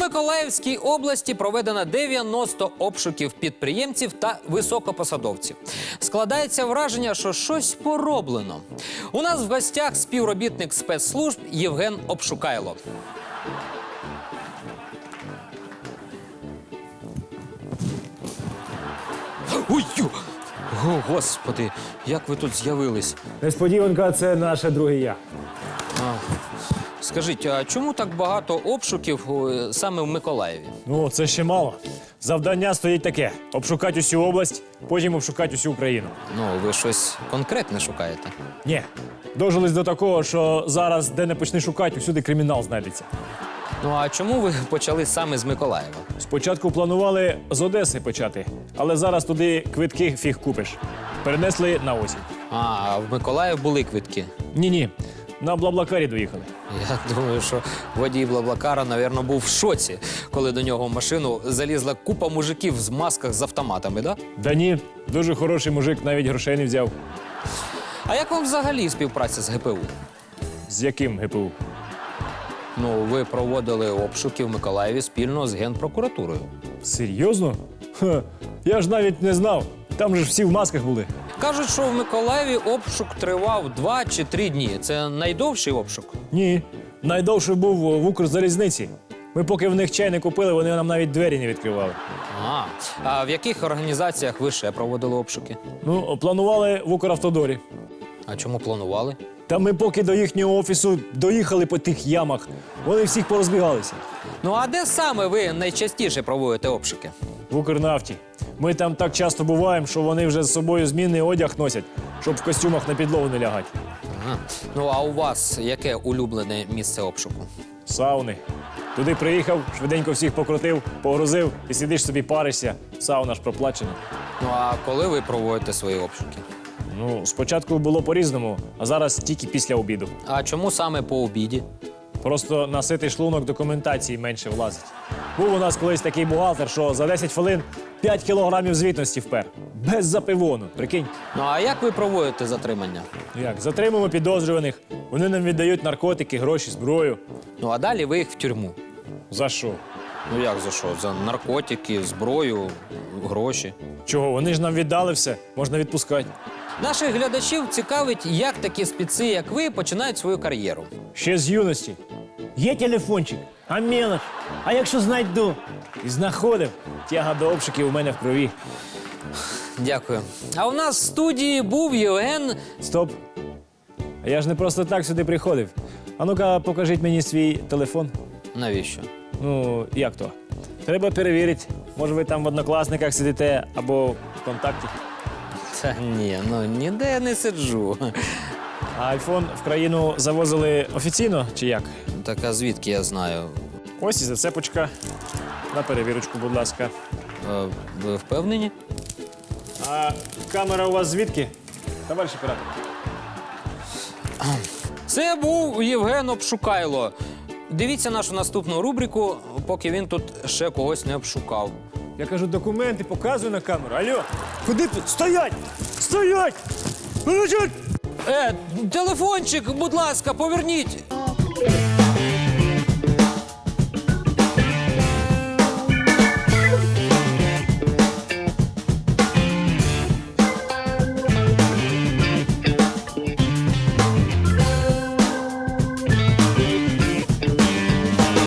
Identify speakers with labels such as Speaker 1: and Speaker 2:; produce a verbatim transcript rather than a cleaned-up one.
Speaker 1: Миколаївській області проведено дев'яносто обшуків підприємців та високопосадовців. Складається враження, що щось пороблено. У нас в гостях співробітник спецслужб Євген Обшукайло. Ой, ю! О, Господи, як ви тут з'явились?
Speaker 2: Несподіванка – це наше друге я.
Speaker 1: А, скажіть, а чому так багато обшуків о, саме в Миколаєві?
Speaker 2: Ну, це ще мало. Завдання стоїть таке – обшукати усю область, потім обшукати усю Україну.
Speaker 1: Ну, ви щось конкретне шукаєте.
Speaker 2: Ні. Дожились до такого, що зараз, де не почни шукати, усюди кримінал знайдеться.
Speaker 1: Ну, а чому ви почали саме з Миколаєва?
Speaker 2: Спочатку планували з Одеси почати, але зараз туди квитки фіг купиш. Перенесли на осінь.
Speaker 1: А, в Миколаїв були квитки.
Speaker 2: Ні-ні, на Блаблакарі доїхали.
Speaker 1: Я думаю, що водій Блаблакара, мабуть, був в шоці, коли до нього в машину залізла купа мужиків з масках з автоматами, да?
Speaker 2: Да ні, дуже хороший мужик, навіть грошей не взяв.
Speaker 1: А як вам взагалі співпраця з ГПУ?
Speaker 2: З яким ГПУ?
Speaker 1: Ну, ви проводили обшуки в Миколаєві спільно з Генпрокуратурою.
Speaker 2: Серйозно? Ха, я ж навіть не знав. Там же ж всі в масках були.
Speaker 1: Кажуть, що в Миколаєві обшук тривав два чи три дні. Це найдовший обшук?
Speaker 2: Ні. Найдовший був в Укрзалізниці. Ми поки в них чай не купили, вони нам навіть двері не відкривали.
Speaker 1: А, а в яких організаціях ви ще проводили обшуки?
Speaker 2: Ну, планували в Укравтодорі.
Speaker 1: А чому планували?
Speaker 2: Та ми поки до їхнього офісу доїхали по тих ямах. Вони всіх порозбігалися.
Speaker 1: Ну, а де саме ви найчастіше проводите обшуки?
Speaker 2: В Укрнафті. Ми там так часто буваємо, що вони вже з собою змінний одяг носять, щоб в костюмах на підлогу не лягати.
Speaker 1: Ага. Ну, а у вас яке улюблене місце обшуку?
Speaker 2: Сауни. Туди приїхав, швиденько всіх покрутив, погрузив і сидиш собі паришся. Сауна ж проплачена.
Speaker 1: Ну, а коли ви проводите свої обшуки?
Speaker 2: Ну, спочатку було по-різному, а зараз тільки після обіду.
Speaker 1: А чому саме по обіді?
Speaker 2: Просто наситий шлунок документації менше влазить. Був у нас колись такий бухгалтер, що за десять хвилин п'ять кілограмів звітності впер. Без запивону, прикинь.
Speaker 1: Ну, а як ви проводите затримання?
Speaker 2: Як, затримуємо підозрюваних, вони нам віддають наркотики, гроші, зброю.
Speaker 1: Ну, а далі ви їх в тюрму.
Speaker 2: За що?
Speaker 1: Ну, як за що? За наркотики, зброю, гроші.
Speaker 2: Чого? Вони ж нам віддали все, можна відпускати.
Speaker 1: Наших глядачів цікавить, як такі спеці, як ви, починають свою кар'єру.
Speaker 2: Ще з юності. Є телефончик, а мелоч. А якщо знайду? І знаходив. Тяга до обшуків у мене в крові.
Speaker 1: Дякую. А у нас в студії був Євген.
Speaker 2: Стоп. А я ж не просто так сюди приходив. А ну-ка, покажіть мені свій телефон.
Speaker 1: Навіщо?
Speaker 2: Ну, як то? Треба перевірити. Може, ви там в Однокласниках сидите або в Контакті.
Speaker 1: Та ні, ну ніде я не сиджу.
Speaker 2: А айфон в країну завозили офіційно чи як?
Speaker 1: Так а звідки я знаю?
Speaker 2: Ось і зацепочка. На перевірочку, будь ласка.
Speaker 1: Е, ви впевнені?
Speaker 2: А камера у вас звідки? Товариш оператор.
Speaker 1: Це був Євген Обшукайло. Дивіться нашу наступну рубрику, поки він тут ще когось не обшукав.
Speaker 2: Я кажу, документи показую на камеру. Алло, куди тут? Стоять! Стоять! Стоять!
Speaker 1: Е, телефончик, будь ласка, поверніть.